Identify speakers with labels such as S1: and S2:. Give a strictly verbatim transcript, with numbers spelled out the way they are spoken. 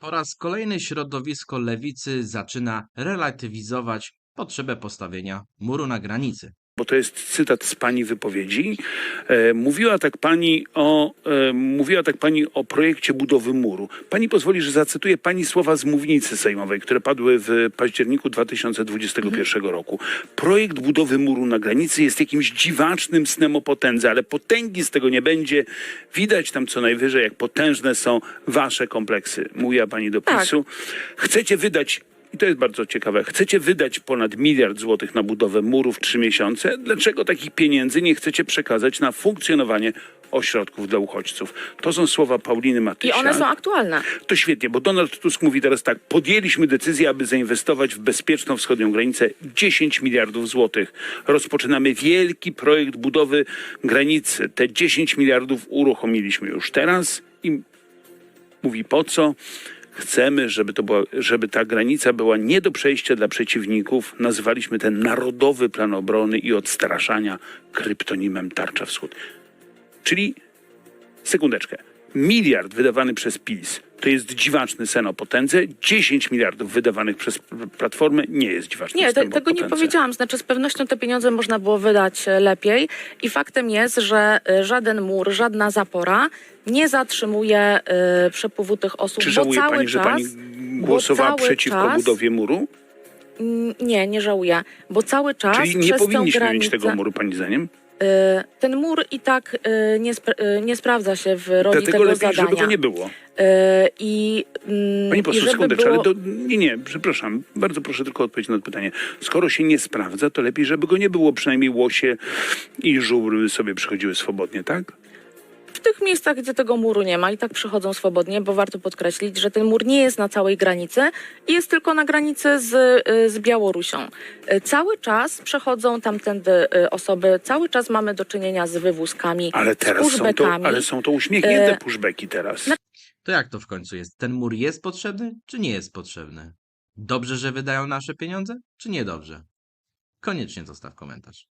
S1: Po raz kolejny środowisko lewicy zaczyna relatywizować potrzebę postawienia muru na granicy.
S2: Bo to jest cytat z pani wypowiedzi. E, mówiła tak pani o e, mówiła tak pani o projekcie budowy muru. Pani pozwoli, że zacytuję pani słowa z mównicy sejmowej, które padły w październiku dwa tysiące dwudziestego pierwszego roku. Projekt budowy muru na granicy jest jakimś dziwacznym snem o potędze, ale potęgi z tego nie będzie. Widać tam co najwyżej, jak potężne są wasze kompleksy. Mówiła pani do PiSu. Chcecie wydać I to jest bardzo ciekawe. Chcecie wydać ponad miliard złotych na budowę muru w trzy miesiące? Dlaczego takich pieniędzy nie chcecie przekazać na funkcjonowanie ośrodków dla uchodźców? To są słowa Pauliny
S3: I
S2: Matysiak.
S3: one są aktualne.
S2: To świetnie, bo Donald Tusk mówi teraz tak. Podjęliśmy decyzję, aby zainwestować w bezpieczną wschodnią granicę dziesięć miliardów złotych. Rozpoczynamy wielki projekt budowy granicy. Te dziesięć miliardów uruchomiliśmy już teraz i mówi po co? Chcemy, żeby, to była, żeby ta granica była nie do przejścia dla przeciwników. Nazwaliśmy ten Narodowy Plan Obrony i Odstraszania kryptonimem Tarcza Wschód. Czyli, sekundeczkę, miliard wydawany przez PiS to jest dziwaczny sen o potędze. dziesięć miliardów wydawanych przez Platformę nie jest dziwaczny
S3: Nie,
S2: sen
S3: te,
S2: o
S3: tego nie
S2: potędze.
S3: powiedziałam. Znaczy z pewnością te pieniądze można było wydać e, lepiej i faktem jest, że e, żaden mur, żadna zapora nie zatrzymuje e, przepływu tych osób,
S2: Czy
S3: bo
S2: żałuje
S3: cały
S2: pani, że
S3: czas,
S2: pani
S3: bo
S2: głosowała
S3: cały
S2: przeciwko
S3: czas,
S2: budowie muru?
S3: Mm, Nie, nie żałuję, bo cały czas
S2: Czyli nie
S3: przez tę
S2: powinniśmy
S3: granicę,
S2: mieć tego muru, pani zdaniem?
S3: e, ten mur i tak e, nie, spra- e, nie sprawdza się w roli
S2: Dlatego
S3: tego
S2: lepiej,
S3: zadania.
S2: żeby go nie było.
S3: E, I, mm,
S2: Pani
S3: i
S2: poseł,
S3: żeby
S2: sekundeczkę,
S3: było...
S2: ale to, nie, nie, przepraszam, bardzo proszę tylko odpowiedzieć na to pytanie. Skoro się nie sprawdza, to lepiej, żeby go nie było, przynajmniej łosie i żubry sobie przychodziły swobodnie, tak?
S3: W tych miejscach, gdzie tego muru nie ma i tak przychodzą swobodnie, bo warto podkreślić, że ten mur nie jest na całej granicy i jest tylko na granicy z, y, z Białorusią. Y, Cały czas przechodzą tamtędy y, osoby, cały czas mamy do czynienia z wywózkami,
S2: Ale
S3: z
S2: teraz są to,
S3: pushbackami.
S2: ale są to uśmiechnięte
S3: E,
S2: pushbacki teraz.
S1: To jak to w końcu jest? Ten mur jest potrzebny, czy nie jest potrzebny? Dobrze, że wydają nasze pieniądze, czy niedobrze? Koniecznie zostaw komentarz.